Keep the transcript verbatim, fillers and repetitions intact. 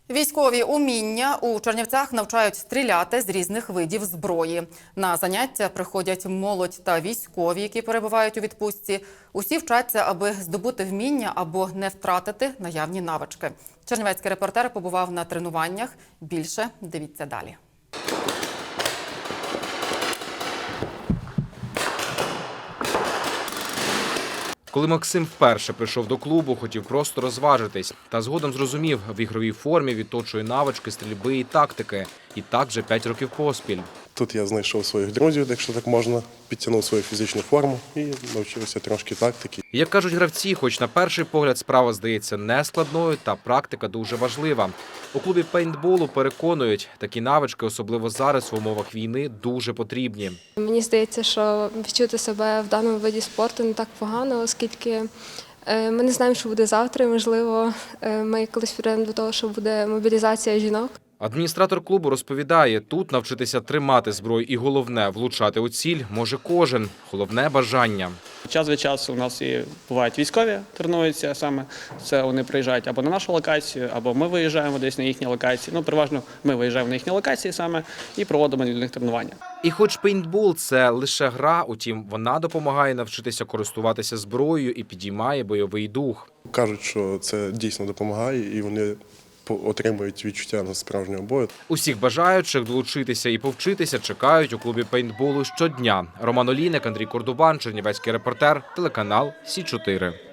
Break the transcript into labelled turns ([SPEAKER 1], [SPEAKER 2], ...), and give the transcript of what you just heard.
[SPEAKER 1] Військові уміння у Чернівцях навчають стріляти з різних видів зброї. На заняття приходять молодь та військові, які перебувають у відпустці. Усі вчаться, аби здобути вміння або не втратити наявні навички. Чернівецький репортер побував на тренуваннях. Більше дивіться далі.
[SPEAKER 2] Коли Максим вперше прийшов до клубу, хотів просто розважитись. Та згодом зрозумів, в ігровій формі відточує навички стрільби і тактики. І так вже п'ять років поспіль.
[SPEAKER 3] Тут я знайшов своїх друзів, якщо так можна, підтягнув свою фізичну форму і навчився трошки тактики.
[SPEAKER 2] Як кажуть гравці, хоч на перший погляд справа здається нескладною, та практика дуже важлива. У клубі пейнтболу переконують, такі навички, особливо зараз в умовах війни, дуже потрібні.
[SPEAKER 4] Мені здається, що відчути себе в даному виді спорту не так погано, оскільки ми не знаємо, що буде завтра. Можливо, ми колись прийдемо до того, що буде мобілізація жінок.
[SPEAKER 2] Адміністратор клубу розповідає, тут навчитися тримати зброю і головне – влучати у ціль може кожен. Головне – бажання.
[SPEAKER 5] Час від часу у нас і бувають військові, тренуються саме. Це вони приїжджають або на нашу локацію, або ми виїжджаємо десь на їхні локації. Ну, переважно ми виїжджаємо на їхні локації саме і проводимо для них тренування.
[SPEAKER 2] І хоч пейнтбол – це лише гра, утім, вона допомагає навчитися користуватися зброєю і підіймає бойовий дух.
[SPEAKER 3] Кажуть, що це дійсно допомагає і вони отримують відчуття на справжнього бою.
[SPEAKER 2] Усіх бажаючих долучитися і повчитися чекають у клубі пейнтболу щодня. Роман Олійник, Андрій Кордубан, Чернівецький репортер, телеканал Сі чотири.